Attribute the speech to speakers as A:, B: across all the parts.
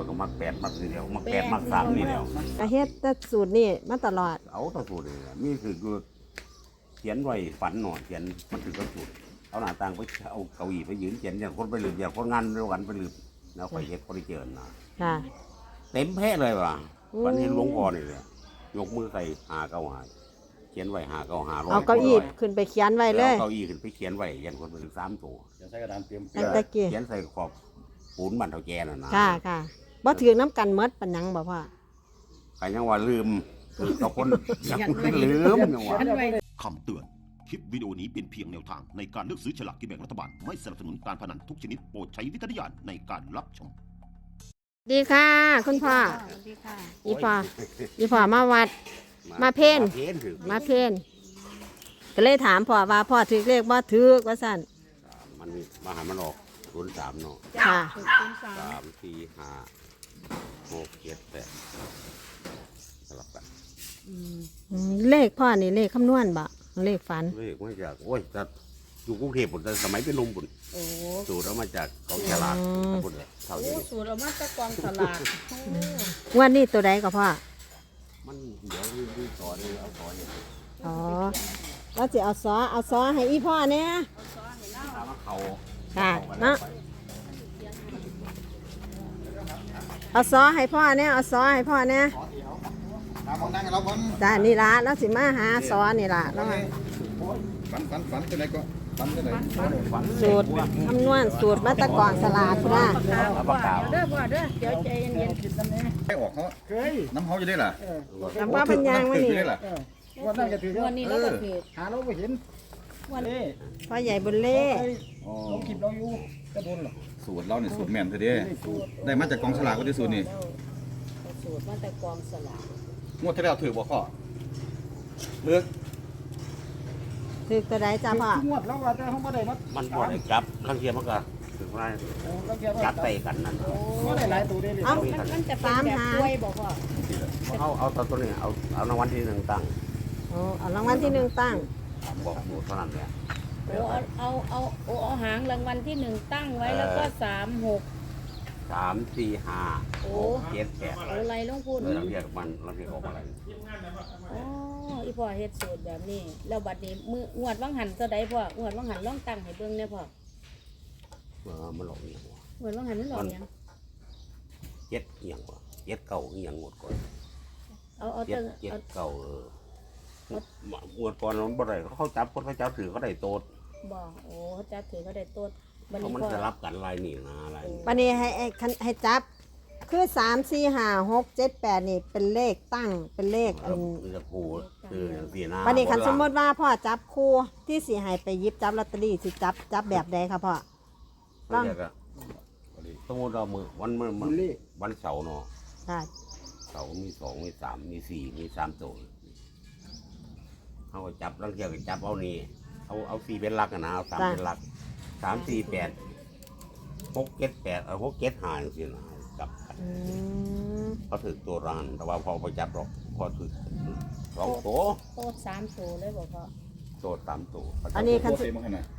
A: ก็มัก8มักทีเดียวมัก8มัก3นี่เดียว
B: ก็เฮ็ดแต่สูตรนี่มาตลอด
A: เอาแตะสูตรนี่มีคือเขียนไว้ฝันหน่อยเขียนมันคือกระสูตรเอาหน้าต่างไปเอาเก้าอี้ไปยืนเขียนอย่างคนไปลืมอย่างคนงานเดียวกันไปลืมแล้วไปเฮ็ดคนที่เจอนะ
B: ค่ะ
A: เต็มแพ้เลยว่ะ
B: โอ้
A: วันนี้หลวงพ่อนี่เลยยกมือใส่595เขียนไว้595
B: เอาเก้าอี้ขึ้นไปเขียนไว้เลย
A: เก้าอี้ขึ้นไปเขียนไว้ยันคนไปถึง3ตัว
C: จะใช้กระดานเตรียม
B: อันตะกี้
A: เขียนใส่ขอบปูนบันเท่าแกน่ะนะ
B: ค่ะค่ะบ่ถือน้ำกันเมดปันหยังบ่พ่อ
A: ใครยังว่าลืมคือกับคนยังลืมยังว่า
D: คำเตือน คลิปวิดีโอนี้เป็นเพียงแนวทางในการเลือกซื้อฉลากกินแบ่งรัฐบาล ไม่สนับสนุนการพนันทุกชนิดโปรดใช้วิจารณญาณในการรับชม
B: ดีค่ะ คุณพ่อ
E: ดีค่ะ
B: อีพ่อมาวัด มาเพ่น
A: ถือ
B: มาเพนก็เลยถามพ่อว่าพ่อถือเลขบ่ถือว่าสั่น
A: มันมาหามันออก03เนาะ
B: ค่ะ
A: 3 4 5 6 7 8สลับกัน
B: เลขพ่อนี่เลขคำนวณบ่เลขฝัน
A: เลขมาจากโอ้ยแต่อยู่กรุงเทพฯแต่สมัยเป็นหนุ่มบุญ
E: โอ้
A: สูตรเอามาจากกองฉลากบุญเลยเท่า
E: โห
A: นี้
E: สูตรเอามาจากกองสลาก
B: งวันนี้ตัวใดก็พ่อ
A: มันเดี๋ยวดูต่อเลยเอาต่อเนี่ย
B: อ๋อแล้วจะเอาซอให้อีพ่อเนี่ย
A: ถามว่าเขา
B: ค่ะเนาะเอาซอให้พ่อเนี่ยเอาซอให้พ่อเนี่ย
C: ตามมองนั่งเราบน
B: จ้านี่ละแล้วสิมาหาซอนี่ละแล้วมา
C: ฝันจะไหนก็ฝันจะไหน
B: สูตรคำนวณสูตรมาตะกอนสลากนะ
A: เอาปากกา
E: เด้อพ่อเด้อเดี๋ยวใจเย็น
C: ให้ออกเขาน้ำเขาจะได้ล่ะ
B: คำว่าเป็นยางวะนี่
C: ได้ล่ะ
F: วันนั้นก็ถือ
E: ๆวันนี้เราก็ผิด
F: หาเราไม่เห็น
E: วัน
F: นี่
B: พ่อใหญ่บุญเล่
C: อ๋อ
F: เราคลิปเราอยู่กระโดนหรอ
C: สูตรเราเนี่ยสูตรแม่นเธอเด้ได้มาจากกองฉลากก็ได้สูตรนี่
E: สูตรมาจากกองสลาก
C: งวดที่แล้วถือบ่ข้อเลือก
B: ถือตัวใดจ้าพ่อ
F: งวดแล้วว่าแต่เขาไม่ได้มา
A: มันบ่ได้กลับลังเทียมันก็ถึงว่า
F: เราเกี่ยว
A: จั
F: กั
A: ดใส่กันนั่น
F: ไม่ได้หลายตัวเลย
E: มันจะเป็นแบบกล้วยบอกพ่อ
A: เอาตัวนี้เอารางวัลที่หนึ่งตั้ง
B: โอ้เอารางวัลที่หนึ่งตั้ง
A: บอกหมดเท่านั้นแหละ
E: โอ้เอาหางรางวัลที่1ตั้งไว้แล้วก็3 6
A: 3 4 5
E: โอ้
A: 6 7 8
E: โอ้ไรลงพูด
A: เราเรียกมันเราเรียกออกอะไร
E: อ๋ออีพ่อเฮ็ดสูตรแบบนี้แล้วบัดนี้มืองวดวังหันตัวใดพ่องวดวังหันลองตั้งให้เบิ่งแน่พ่อ
A: มันหลอกอย่างวะ
E: งวดวังหันมันหลอกหยัง
A: เจ็ดเอียงวะเจ็ดเก่าเอียงหมดก่อน
E: เอา
A: เจ็
E: เติ
A: ด
E: ง
A: เจ็ด
E: เอา
A: เก่าหมดก่อนมันบ่ได้เขาจับคนเขาจับถือเขาได้โตด
E: บ่โอ้เขาจับถือเขาได้ต้นบัด
A: เพราะ
E: นี้
A: มัน
E: พ่อ
A: จะรับกันลายนี่นะลาย
B: วันนี้ให้จับ คือ3 4 5 6 7 8นี่เป็นเลขตั้งเป็นเลขอัน
A: มันจะคูคืออย่างสี่นะ
B: วันนี้คันสมมติว่าพ่อจับคู่ที่สีให้ไปหยิบจับลอตเตอรี่สิจับแบบใดครับพ่อ
A: เราเรียกอะสมมติเรามือวันเสาร์เนาะ
B: ค่ะ
A: เสาร์มี2มี3มี4มี3ตัวเขาก็จับลังเทียก็จับเอานี่เอา4เป็นหลักนะเอา3เป็นหลัก3 4 8 6 7 8เอา6 7 5อย่างนี้นะจับกัน
B: อืม
A: เขาถือตัวรานแต่ว่าพอไปจับหรอกพอถือ2ตัว
E: โต๊ด3ตัวเลยบอกพ่อ
A: ตัว3ตัว
B: อันนี้คัน
C: โคตรมาขนาด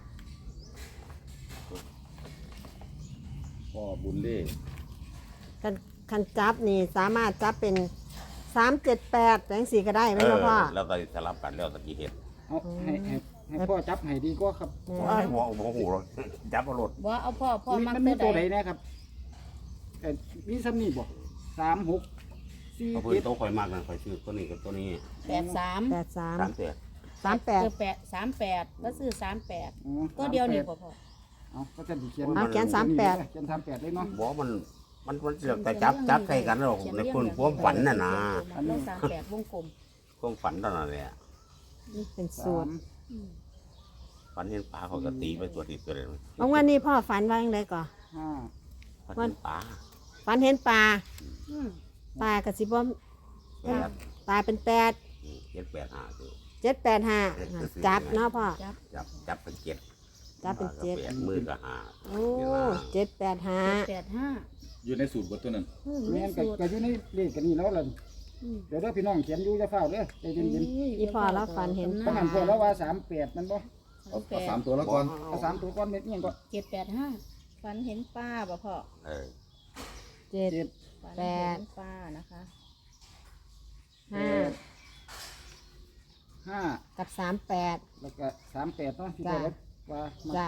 C: พ่อบุญเล่
B: คันจับนี่สามารถจับเป็น3 7 8จังสี่ก็ได้ไหมครับพ่อ
A: แล้วก็สลับกันแล้วตะกี้เห็น
F: เอาให้พ่อจับให้ดีกว่าครับ
A: หัวหูเราจับเอารถ
E: ว่าเอาพ่อมัก
F: มันมี
E: ตั
F: ตัว ว
E: ใด
F: ไหนนะครับมีซ้ำนี่บอก3 6 4
A: เขาเพิ่งโตคอยมากนะคอยซื้อตัวนี้กับตัวนี้
E: 83
B: 8 3
A: 3เตือน
B: 3 8
E: 38แล้วซื้อ38ก็เดียวนี่บ่พ่อ
F: เอาก็จะเขียน
B: เอาเขียน38
F: เขียน38เลยเนาะ
A: บอกมันเสือกแต่จับใส่กันแล้วในคนความฝันน่ะนะ
E: แล้ว38วงกลม
A: ความฝันตอนนั้นแหละ
B: เป็นสูตร
A: ฝันเห็นปลาเขาก็ตีไปตัวติดตัวเลย
B: บางวันนี้พ่อฝันว่าอย่างไรก่อน
F: 5
A: ฝันเห็นปลา
B: ฝันเห็นปลา
E: อืม
B: ปลากระสิบม
A: แปด
B: ปลาเป็น8
A: 7 8 5ตัว
B: 7 8 5จับเนาะพ่อ
A: จับเป็นเจ็ด
B: จับเป็นเจ็ด
A: แปดมือก็หา
B: โอ้7 8 5
E: 85
C: อยู่ในสูตรบทตัวนั้น
F: แม่นก็อยู่ในเลขกันนี่แล้วล่ะเดี๋ยวพี่น้องเขียนอยู่จะเฝ้าเด้อใจเย็น
B: อีพ่อเราฝันเห็น
F: ๆเพราะหันพวกเราว่า38มันบ่
C: เอา3ตัวแล้วก่อน
F: เอา3ตัวก่อนเม็ดนี่ก็
E: 785ฝันเห็นป้าบ่พ่อ
A: เออ
B: 7
F: 7
B: แปด
E: ปลานะคะ
B: 5
F: 5
B: กับ 38
F: แล้วก็38เนาะที่
B: จ้ะ
F: ได้ว่ามา
B: จ้า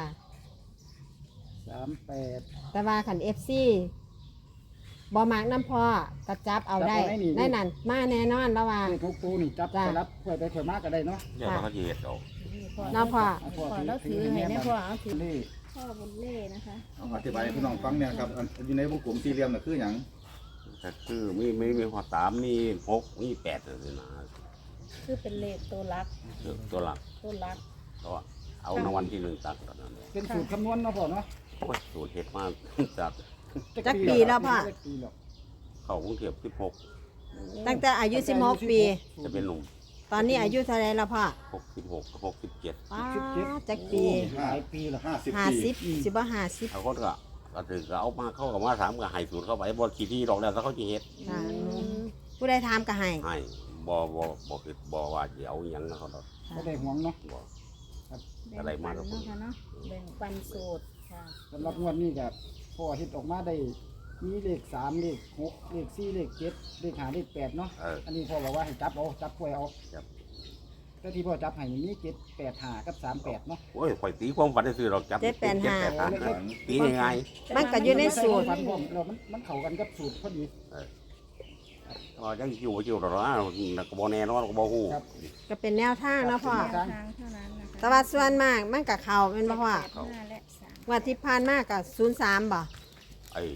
F: 38
B: แต่ว่าขัน FC บ่มักน้ำพ่อกระจับเอาได้
F: จับเอาได้นี่
B: ในนั้นมาแน่นอนแล้วว่า
F: เลข6ตัวนี่จับ
B: จ้ะ
F: ไปรับค่อยไปค่อยมาก็ได้เนาะ
A: เดี๋ยวเขาจะเห็ดเอา
B: น้ำพ่อ
E: พ่อแล้วถือให้แน่พ่อเอาถือ
F: นี่
E: พ่อบนเล่นะคะ
C: เอาอธิบายให้พี่น้องฟังเนี่ยครับอันอยู่ในวงกลมสี่เหลี่ยมน่ะคือหยัง
A: แต่คือมีหัวสามมี6มี8เลยนะ
E: คือเป็นเลขตัวรัก
A: ตัวหลัก
E: ตัวรัก
A: ก็เอารางวัลที่1ตักตอนนั้นเลย
F: เป็นสูตรคำนวณเนาะพ่อเนาะ
A: โอ้ยสูตรเห็ดมากจาก
B: จักปีแล้วพ่อ
F: จักปีแล้ว
A: เข้ากรุงเทพ16
B: ตั้งแต่อายุ 16 ปี
A: จะเป็นหนุ่ม
B: ตอนนี้อายุเท่าไรแล้วพ่อ
A: 66 67
B: ป้าจักปี
F: หลายปีแล้ว
B: 50สิบ่50
A: เขาก็ถือก็เอามาเข้ากับมาถามกับให้สูตรเข้าไปบ่ขี้ที่ดอกแล้วถ้าเขาจะเฮ็ด
B: ค่ะผู้ใดถามก็ให้
A: ให้บ่คือบ่ว่าสิเอาหยังนะเขาดอก
F: ก็ได้ห่วงเนาะ
A: บ่
E: แบ่ง
A: อะไรมา
E: ปัน
A: แล้ว
E: เนาะค่ะเนาะแบ่งปันสูตรค่ะ
F: สำหรับงวดนี้ก็พ่อเฮ็ดออกมาได้มีเลข3เลข6เลข4เลข7เลข5เลข8เนาะ อันนี้พ่อบอกว่าให้จับเอาจับกล้วยเอา
A: ครับ
F: แต่ที่พ่อจับให้นี่มี7 8 5กับ38เนาะ
A: โอ้ยข่อยตีความฝันซื้อดอกจับ
B: 785
A: ตีง่าย
B: มันก็อยู่ในสูตร
F: ฟันผมแล้วมันเข้ากันกับสูตรพอดี
A: ๆก็ยังอยู่ดอกนะก็บ่แน่นอนก็บ่ฮู้
F: ครับ
B: ก็เป็นแนวทางเนาะพ่อ
E: ทางเท่านั้นนะคะ
B: แต่ว่าส่วนมากมันก็เข้าเป็นบ่พ่อ
E: 5และ3
B: ว่าที่ผ่านมาก็03บ่
A: ไอ้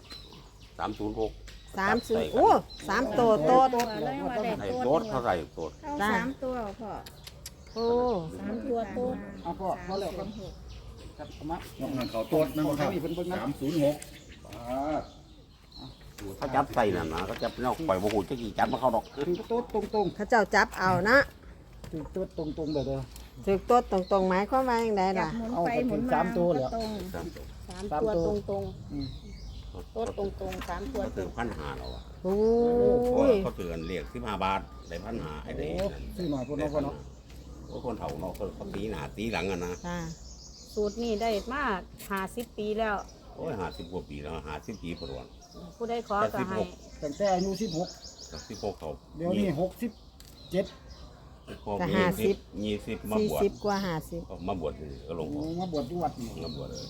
A: 306
B: 30โอ้3ตัวโตด
E: แล้วยังว่าได้
A: ให้
E: ตัว
A: โตดเขาใส่โตด
E: เข้า
B: จ้ะ
E: 3ตัวพ่อ
B: โอ้
E: 3ตัวโตด
F: เอาพ่อพอแล้วครับครับเอามา
C: น้องนันเขาตัวนั่นบ่ครับ
F: นี่เพิ่นเบิ่งนะ
C: 306
A: เขาจับใส่นั่นนะเขาจับเนาะข่อยบ่ฮู้จักสิจับมาเข้าดอก
F: ถือโต๊ดตรง
B: เขาเจ้าจับเอานะ
F: ๆถือโต๊ดตรงๆเลยเด้อ
B: ถึกโตดตรงๆหมายความว่าจังได
E: จั
B: ล่ะ
E: บหมุน
F: เอา
E: ไป
F: ไป
E: หมุน
F: ถึง
E: มา
F: สามตัวเหรอ
E: ตรง
A: ครับ
E: สามตัวตรงตรง
F: อืม
E: ๆโต๊ดตรงตรงๆ3ตัว
A: เขา
E: ตร
A: ถือง 1,500แล้วอ่ะ
B: โอ้
A: เพราะ
B: ย
A: ว่าเขาถือกันเรียก15 บาทได้1,500ไอ้
F: โอ้
A: นี่
F: ซื้อหน่อยพุ่นเนาะพ่อเนาะ
A: โอ้คนเฒ่าเนาะเขาตีหน้าตีหลังอ่ะนะ
B: ค่ะ
E: สูตรนี้ได้มา50 ปีแล้ว
A: โอ้ย50กว่าปีแล้ว50ปีประวัติ
E: ผู้ใดขอก็ให้
F: ตั้งแต่อายุ16
A: กับ16เขา
F: เดี๋ยวนี้67
A: พอ
B: ก็
A: มี20มาบวช
B: 40กว่า50
A: ก็มาบวชนี่ก็ลง
F: โอ้มาบวชที่วัดนี่
A: มาบวชเลย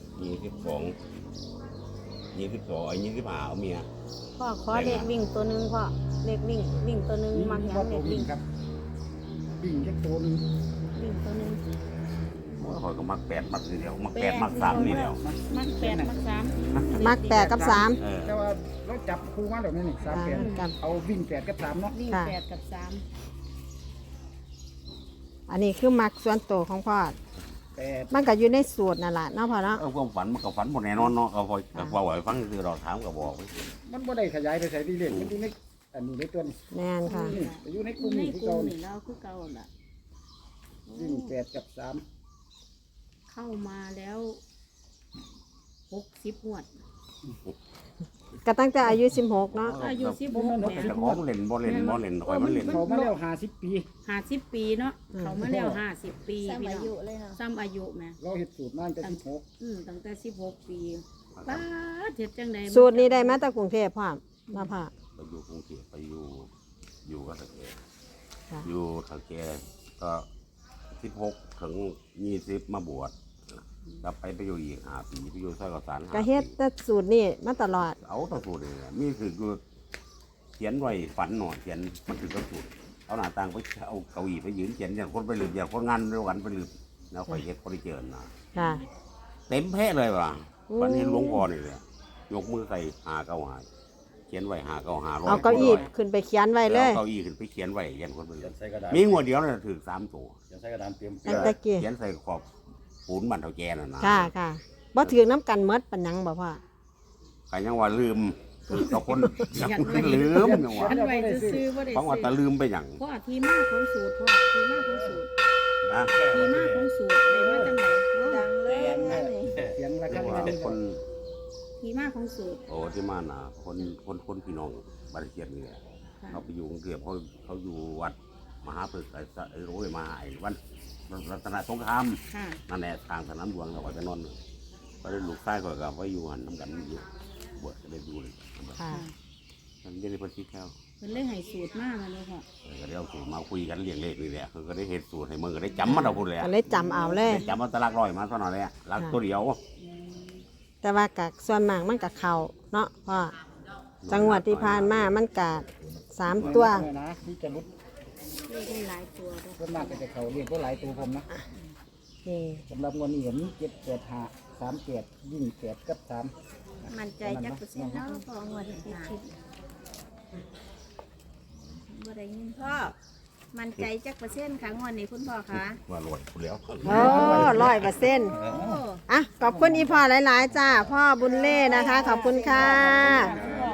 A: 22ไอ้25เอาเมีย
E: พ่อขอเลขวิ่งตัวหนึงพ่อเลขวิ่งตัวหนึงมักหยัง
F: บ่
E: เล
F: ตัว
E: ข
F: วิ่
E: วิ่
F: ง
E: ง
F: ครับวิ่งแค่ตัวนึง
E: วิ่งตัวหนึง
A: โอ้ยข่อยก็มัก8มักนี่เดียวมัก8มัก3นี่เดียว
E: มัก8มัก3
B: มัก8กับ3
A: เออ
F: แต่ว่าเราจับคู่มาแล้วนี่
B: ครับ
F: 38เอาวิ่ง8กับ3เนาะ
E: วิ่ง
B: ค่ะ
E: 8กับ3
B: อันนี้คือมักส่วนตัวของพ่อ
F: 8
B: มันก็อยู่ในสูตรนั่นแหละเนาะพ่อเนาะ
A: เอาความฝันมันก็ฝันบ่แน่นอนเนาะก็พอยก็ว่าไว้ฟังคือเราถามก็บอกไว้
F: มันบ่ได้ขยายไปใส่ที่เลขมันอยู่ในอันนี้ในตัวนี้
B: แม่นค่ะ
F: นี่อยู่ในกลุ่ม
E: ใน
F: นี้ที่
E: กลุ่
F: เก่าม
E: นี่
F: นี่
E: เราคือเก่าล่ะ
F: วิ่ง8กับ3
E: เข้ามาแล้ว60งวด
B: ก็ตั้งแต่อายุ16เนาะ
E: อายุ16แหม่
A: แต่ของเล่นบ่เล่นข่อยมันเล่น
F: เขามาแล้ว50 ปี
E: 50 ปีเนาะเขามาแล้ว50 ปีพี่น้องซ้ำอายุแหม่
F: เราเฮ็ดสูตรมาตั้งแต่16
E: ตั้งแต่16 ปีป้าดเฮ็ดจังได๋
B: สูตรนี้ได้มาจากกรุงเทพพ่อเนาะพ่อ
A: ไปอยู่กรุงเทพไปอยู่กับตะแก
B: ค่ะ
A: อยู่ตะแกก็16ถึง20มาบวชกลับไปอยู่อีก5ปีไปอยู่ซอยกสาร
B: ก็เฮ็ดแต่สูตรนี้มาตลอด
A: เอาแตะสูตรนี่แหละมีคือเขียนไว้ฝันหน่อยเขียนมันคือกระสูตรเอาหน้าต่างไปเอาเก้าอี้ไปยืนเขียนอย่างคนไปลืมอย่างคนงานด้วยกันไปลืมแล้วไปเฮ็ดคนที่เจอนะ
B: ค่ะ
A: เต็มแพะเลยว่ะ
B: อืม
A: วันนี้หลวงพ่อนี่เลยยกมือใส่เขียนไว้595
B: เอาเก้าอี้ขึ้นไปเขียนไว้เลย
A: เก้าอี้ขึ้นไปเขียนไว้ยันคนไปลืม
C: ใส่กระดาษ
A: มีงวดเดียวน่ะถือ3ตัว
C: ใส่กระดาษเตรียม
B: ตั้งแต่กี้
A: เขียนใส่ขอบปูนบันเท่าแกน่ะนะ
B: ค่ะค่ะบ่ถือน้ำกันหมดปานหยังบ่พ่อ
A: ใครยังว่าลืมเอาคนยังลืมยังว่า
E: อันไว้ซื่อๆบ่ได้
A: ฟังว่าแต่ลืมไปหยัง
E: พ่อที่มาของสูตรพ่อที่มาของสูตร
A: นะ
E: ที่มาของสูตรได้มาจังได๋
B: ดังเลย
F: เสียงระ
A: เรี
F: ฆั
A: ย
F: ง
A: กว่า
F: นี่
A: คน
E: ที่มาของสูตร
A: โอ้ที่มาน่ะคนพี่น้องบ้านเกียรตินี่แหละ
E: ค่ะ
A: เขาไปอยู่กรุงเทพเขาอยู่วัดมหาพฤกษ์ไอ้โรยมาไอ้วันรัตนสงคราม
E: ค่ะ
A: นั่นแหละทางสนามหลวงเราไปนอนก็ได้ลูกชายก็กับไปอยู่หันน้ำกันอยู่บวชก็ได้อยู่เลย
B: ค่ะ
A: มันไม่ได้เพิ่นคิดแล้ว
E: เพิ่นเลยให้สูตรมาแม่นบ่พ่อ
A: ก็ได้เอาสูตรมาคุยกันเรียงเลขนี่แหละคือก็ได้เฮ็ดสูตรให้มึงก็ได้จำมันเอาพุ่นแหละ
B: ก็เลยจำเอาเลย
A: ได้จำเอาแตะลักร้อยมาเท่านั้นแหละลักตัวเดียว
B: แต่ว่ากับส่วนมากมันกับเขาเนาะพ่อจังหวัดที่ผ่านมามันกับ3 ตัว
F: เนี่ยนะที่จะรุด
E: เลขได้หลายตัวเด้อ
F: ส่วนมากก็จะเขาเรียกว่าหลายตัวผมนะ
B: นี่
F: สำหรับงวดนี้ก็มี7 8 5 3 8ยิ่ง8กับ3
E: มั่นใจจักเปอร์เซ็นต์เนาะพ่องวดที่คิดบ่ได้ยินพ่อมั่นใจจักเปอร์เซ็นต์ค่ะงวดนี้คุณพ่อคะ
A: ว่าโหลดพุ่นแล้ว
B: โอ้100%
E: โอ้
B: อ่ะขอบคุณอีพ่อหลายๆจ้าพ่อบุญเล่นะคะ ขอบคุณค่ะ
E: พ่อ